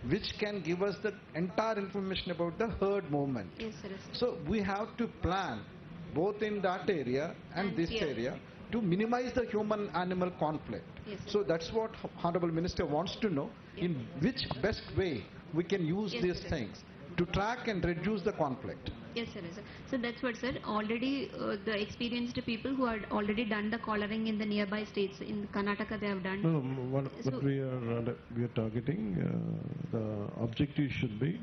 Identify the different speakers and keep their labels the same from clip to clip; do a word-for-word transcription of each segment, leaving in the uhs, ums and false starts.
Speaker 1: which can give us the entire information about the herd movement.
Speaker 2: Yes, sir. Yes, sir.
Speaker 1: So we have to plan both in that area and,
Speaker 2: And
Speaker 1: this
Speaker 2: here.
Speaker 1: area to minimize the human-animal conflict.
Speaker 2: Yes, sir.
Speaker 1: So that's what Honorable Minister wants to know,
Speaker 2: Yes.
Speaker 1: in which best way we can use
Speaker 2: Yes,
Speaker 1: these
Speaker 2: sir.
Speaker 1: things to track and reduce the conflict.
Speaker 2: Yes, sir. Yes, sir. So that's what, sir. Already uh, the experienced people who had already done the collaring in the nearby states, in Karnataka they have done.
Speaker 3: No, no, what,
Speaker 2: So-
Speaker 3: what we are uh, we are targeting, uh, the objective should be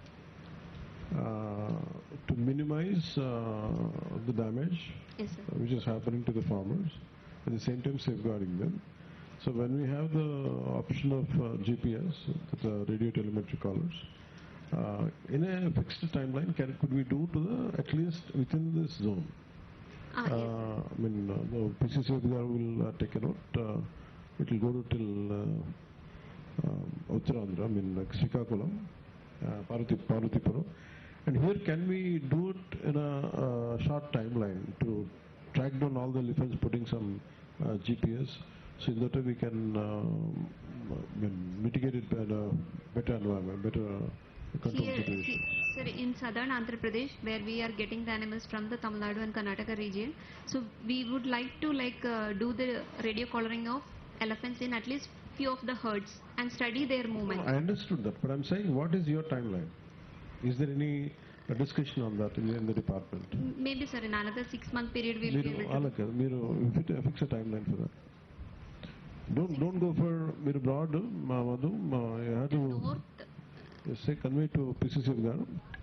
Speaker 3: uh, to minimize uh, the damage
Speaker 2: Yes, sir.
Speaker 3: which is happening to the farmers, at the same time safeguarding them. So when we have the option of uh, G P S, the radio telemetry collars, uh, in a fixed timeline, can could we do to the at least within this zone?
Speaker 2: Ah, yes.
Speaker 3: Uh, I mean, uh, the P C C will uh, take a note. Uh, it will go to till uh, um, Uttarandhra, I mean, like Srikakulam, uh, Paruti, Parutipuram. And here, can we do it in a uh, short timeline to track down all the elephants, putting some uh, G P S, so in that way we can um, I mean, mitigate it better, better environment, better uh, control
Speaker 2: Here,
Speaker 3: situation.
Speaker 2: he- sir, in southern Andhra Pradesh, where we are getting the animals from the Tamil Nadu and Karnataka region, so we would like to like uh, do the radio collaring of elephants in at least few of the herds and study their movement.
Speaker 3: I understood that, but I'm saying, what is your timeline? Is there any uh, discussion on that in, in the department?
Speaker 2: M- Maybe, sir, in another six month period we'll be
Speaker 3: మీరు
Speaker 2: able to.
Speaker 3: అలాగే మీరు fit- fix a timeline for that. Don't don't go for మీరు broad మా మధు మా you have to
Speaker 2: North,
Speaker 3: say convey to P C C గారు.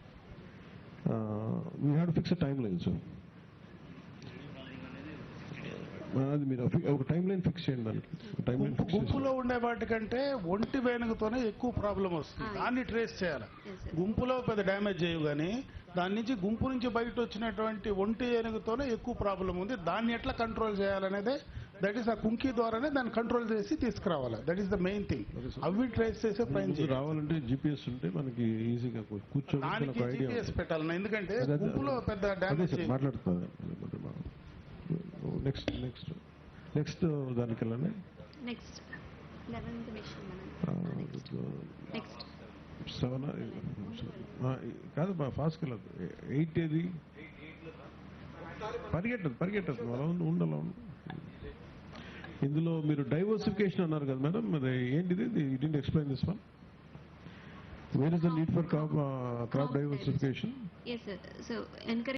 Speaker 3: We have to fix a timeline, sir. అది మీరు ఒక టైం లైన్ ఫిక్స్ చేయండి దానికి time line fix
Speaker 4: గుంపులో ఉండే వాటికంటే ఒంటి వేణుగుతోనే ఎక్కువ ప్రాబ్లం వస్తుంది.
Speaker 2: Ah,
Speaker 4: దాన్ని ట్రేస్ చేయాలి.
Speaker 2: Yes, sir.
Speaker 4: గుంపులో పెద్ద డ్యామేజ్ చేయవు కానీ దాని నుంచి గుంపు నుంచి బయట వచ్చినటువంటి ఒంటి ఏనుగుతోనే ఎక్కువ ప్రాబ్లం ఉంది. దాన్ని ఎట్లా కంట్రోల్ చేయాలనేదే, దట్ ఈస్ ఆ కుంకి ద్వారానే దాన్ని కంట్రోల్ చేసి తీసుకురావాలి. That is the main thing. అవి ట్రేస్ చేసే ప్రయత్నం
Speaker 3: ముందు
Speaker 4: చేయాలి.
Speaker 3: రావాలంటే జీపీఎస్ ఉంటే మనకి ఈజీగా కూర్చోవడానికి
Speaker 4: దానికి
Speaker 3: ఒక ఐడియా
Speaker 4: జీపీఎస్ పెట్టాలి. ఎందుకంటే
Speaker 3: అదే, అదే,
Speaker 4: గుంపులో పెద్ద
Speaker 3: అదే
Speaker 4: డ్యామేజ్
Speaker 3: సార్ మాట్లాడుతున్నారు. నెక్స్ట్ నెక్స్ట్ నెక్స్ట్ దానికి వెళ్ళండి.
Speaker 2: next eleventh mission, madam. Next. Next.
Speaker 3: Seven కాదు మా ఫాస్ట్కి వెళ్ళదు. ఎయిట్ ఏది పరిగెట్టదు పరిగెట్టదు అలా ఉంది ఉండలా ఉంది. ఇందులో మీరు డైవర్సిఫికేషన్ అన్నారు కదా మేడం, మరి ఏంటిది? You didn't explain this one. Where is the need for crop crop diversification?
Speaker 2: Yes, sir. So encourage